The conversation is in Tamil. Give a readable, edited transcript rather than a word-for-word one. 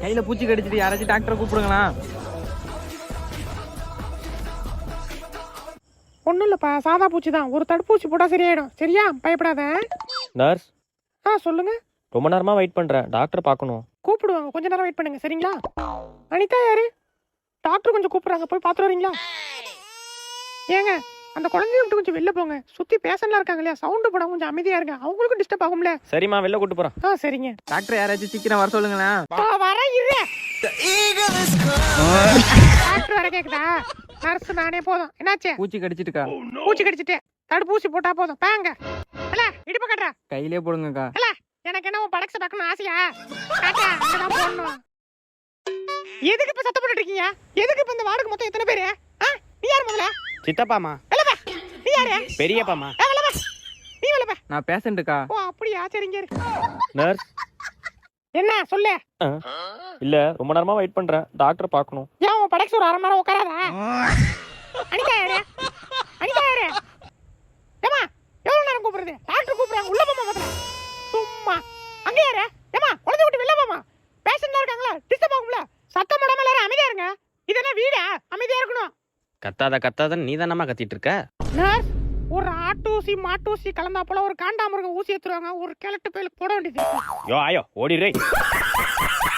கையில பூச்சி கடிச்சிட்டு யாராச்சும் டாக்டரை கூப்பிடுங்களா? ஒன்றும் இல்லைப்பா, சாதா பூச்சி தான். ஒரு தடுப்பூசி போட்டால் சரியாயிடும். சரியா, பயப்படாத. நர்ஸ், சொல்லுங்க. ரொம்ப நேரமா வெயிட் பண்றேன், டாக்டர் பார்க்கணும். கூப்பிடுவாங்க, கொஞ்ச நேரம் வெயிட் பண்ணுங்க. சரிங்களா? அனிதா யாரு? டாக்டர் கொஞ்சம் கூப்பிடுறாங்க, போய் பார்த்துட்டு வரீங்களா? ஏங்க, அந்த குழந்தைய விட்டு கொஞ்சம் வெளில போங்க. சுத்தி பேஷண்ட்லாம் இருக்காங்க இல்லையா, சவுண்டு போடாம கொஞ்சம் அமைதியா இருங்க. அவங்களுக்கும் டிஸ்டர்ப் ஆகும்ல. சரிம்மா, வெளில கூட்டு போறேன். சரிங்க. டாக்டர் யாராச்சும் சீக்கிரம் வர சொல்லுங்களேன். வர இரு. டாக்டர் வர கேக்குதா? நர்ஸ் நானே போதும். என்னாச்சு? பூச்சி கடிச்சிட்டுக்கா. பூச்சி கடிச்சிட்டு தடுப்பூசி போட்டா போதும். பாங்க இல்ல, இடுப்பு கட்டுற கையிலே போடுங்கக்கா. இல்ல. எனக்கு என்ன உன் படக்ஸ பார்க்கணும் ஆசையா? காட்டா, அங்கதான் போடணும். எதுக்கு இப்ப சத்தம் போட்டுட்டு இருக்கீங்க? எதுக்கு இப்ப இந்த வார்டுக்கு மொத்தம் எத்தனை பேரு? நீ யாரு முதல்ல? சித்தப்பாமா. நீ யாரு? பெரியப்பாமா. நீ வரலப்பா. நான் பேஷண்ட்டுக்கா. ஓ அப்படியா, சரிங்க இருக்கு. நர்ஸ், என்ன சொல்லு? இல்ல, ரொம்ப நேரமா வெயிட் பண்றேன், டாக்டர் பார்க்கணும். ஏன் உன் படக்ஸ் ஒரு அரை மணி நேரம் உட்காராதா? அனிதா யாரு? அனிதா யாரு? ஏமா, எவ்வளவு நேரம் கூப்பிடுறது? டாக்டர் கூப்பிடுறாங்க, உள்ள போமா முதல்ல. சும்மா அங்க யாரு? ஏமா, குழந்தை விட்டு வெளில போமா. பேஷண்ட்லாம் இருக்காங்களா, டிஸ்டர்ப் ஆகும்ல. சத்தம் போடாம எல்லாரும் அமைதியா இருங்க. இது என்ன வீடா? அமைதியா இருக்கணும். கத்தாத நீ தானம்மா கத்திட்டு இருக்க. நர்ஸ், ஒரு ஆட்டூசி மாட்டூசி கலந்தா போல ஒரு காண்டாமிருகம் ஊசி ஏத்துருவாங்க. ஒரு கிழட்டு பேலுக்கு போட வேண்டியது. யோ ஆயோ, ஓடிடுறே.